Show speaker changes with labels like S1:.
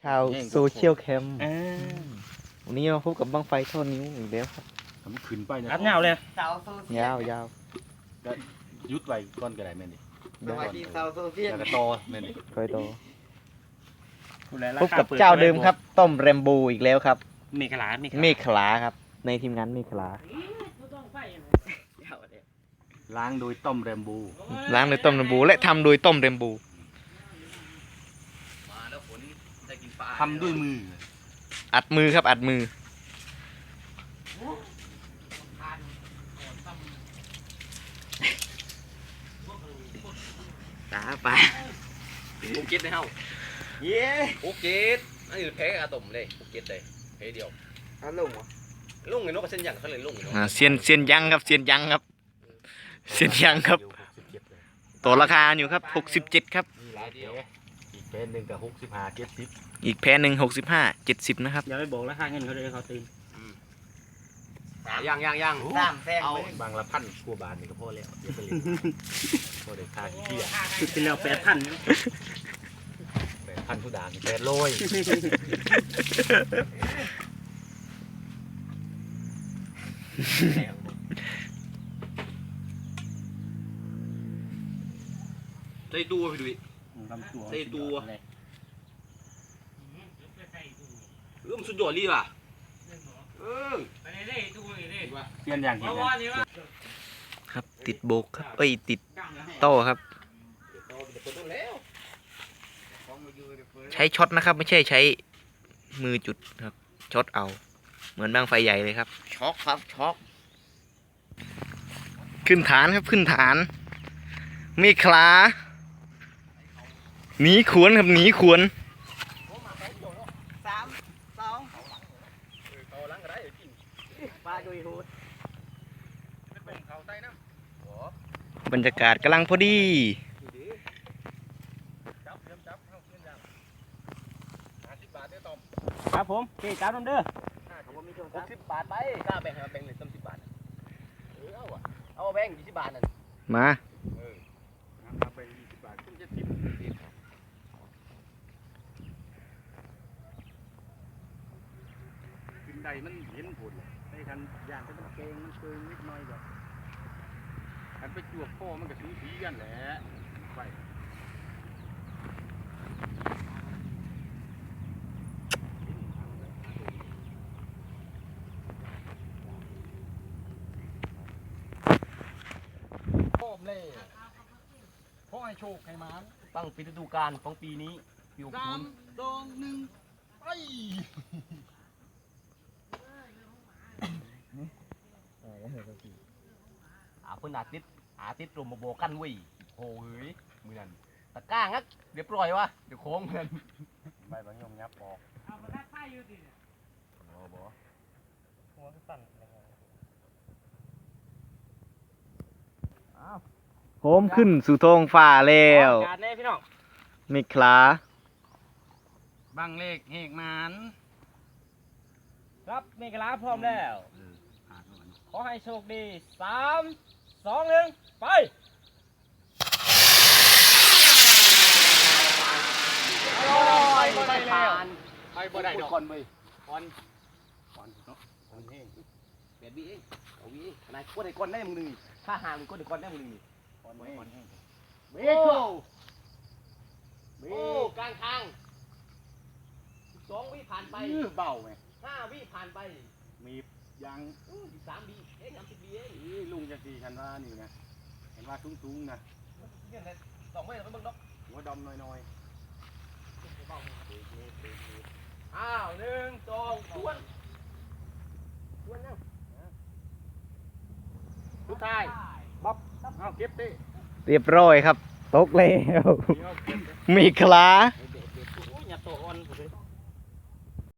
S1: ชาวโซเชียลแคมป์วันนี้มาพบกับบั้งไฟท่อนิ้วอีกแล้วครับ
S2: ทำขึ้นไปนะ
S3: อัดเงาเลย
S1: ยาวยาว
S2: ยุดไว้ก้อนกระไดแม่นี่
S1: สวัสดีชาวโซเชียล
S2: แล้วก็โตแม่นี่
S1: คอยโตพบกับเจ้าเดิมครับต้มแรมโบอีกแล้วครับ
S3: เมฆลา
S1: ครับในทีมงานเมฆลา
S2: ล้างโดยต้มแรมโบ
S1: ล้างโดยต้มแรมโบและทำโดยต้มแรมโบ
S2: ทำด้วยมือ
S1: อัดมือครับอัดมือตาปลา
S3: ภูเก็ตได้เฮา
S1: เย้
S3: ภูเก็ตอันนี้แพ้อาตมเลยภูเก็ตเลยแพ้เดียว
S1: ลุง
S3: ลุงไงนกเส้นยังเขาเลยลุงไงนก
S1: เซียนยังครับเซียนยังครับตัวราคาอยู่ครับ67ครับ
S2: อีกแพนหนึ่งกับ65 70
S1: อีกแพนหนึ่ง65 70นะครับ
S3: อย่าไปบอกราคาเงินเขาเลยเขาตื่นยัง
S2: เอาบางละพันกว่าบาทนี่ก็พอแล้วเดี๋ยวไปเลยพอได้ค่าที่เที่ยว
S3: เป็นแล้ว8,000
S2: ทุดาน800
S3: ใส่ตัวไปดูใส่ตัวมันสุดยอดเลยว่ะ
S2: เปลี่ยนอย่างเห็น
S1: ครับติดโบกครับติดโต้ครับใช้ช็อตนะครับไม่ใช่ใช้มือจุดครับช็อตเอาเหมือนบั้งไฟใหญ่เลยครับช็อกครับช็อกขึ้นฐานครับขึ้นฐานเมฆลาหนีขวนครับหนีขวนบรรยากาศกำลังพอดี
S3: ครับผมเจ๊จ้าน้ำเด้อ60 บาทไปกล้าแบ่งให้มาแบ่งเลย10 บาทเอาแบ่ง20 บาทนั่น
S1: มา
S2: ไป20 บาทขึ้น70ขึ้นใดมันเห็นผลในคันย่างก็ต้องเกงมันเกินนิดหน่อยก่อนคันไปจวบพ่อมันก็สูสีกันแหละไปพ่อให้โชคให้มาน
S3: ตั้งปีฤดูกาลของปีนี้ปี60
S2: 3 2 1ไป
S3: เพิ่นอาทิตย์รวมมาโบกันเว้ยโอ้ยมือนั่นตะก้างักเรียบร้อยวะเดี๋ยวโค้งเพิ่น
S2: ใบบางยมยับออก
S3: เอามาทักไพ่อยู่ดิเนี่ย
S2: บ่
S3: หัวก็สั่น
S1: โหมขึ้นสู่ท้องฟ้าแล้ว
S3: การแน่พี่น้อง
S1: เมฆลา
S2: บังเลขเฮกมัน
S3: ครับเมฆลาพร้อมแล้วขอให้โชคดี3 2 1ไป
S2: ไปแล้วไปบ่ได้ดอกก่อนเว้ยก่อนเนาะเฮง
S3: 8 วิเองเอาวิขนาดกดให้ก่อนได้มึงนึงนี่ถ้าห่างมึงกดให้ก่อนได้มึงนึงนี่ก่อนเฮงเบโก้กลางทาง2 วิผ่านไป
S2: เบาไง
S3: 5 วิผ่านไป
S2: มียัง
S3: 3 วิ30 วิเอง
S2: ลุงจะตีฉันว่านี่นะเห็นว่าสูงๆนะ
S3: เนี่ยแต่2 ไม่ต้องเบิ่งดอก
S2: หัวดำน้อย
S3: อ้าว1 2ทวนนั่งสุดท้าย
S2: บ๊อบเอาเก็บดิ
S1: เรียบร้อยครับตกแล้วเมฆลา
S3: อย่าโตอ่อน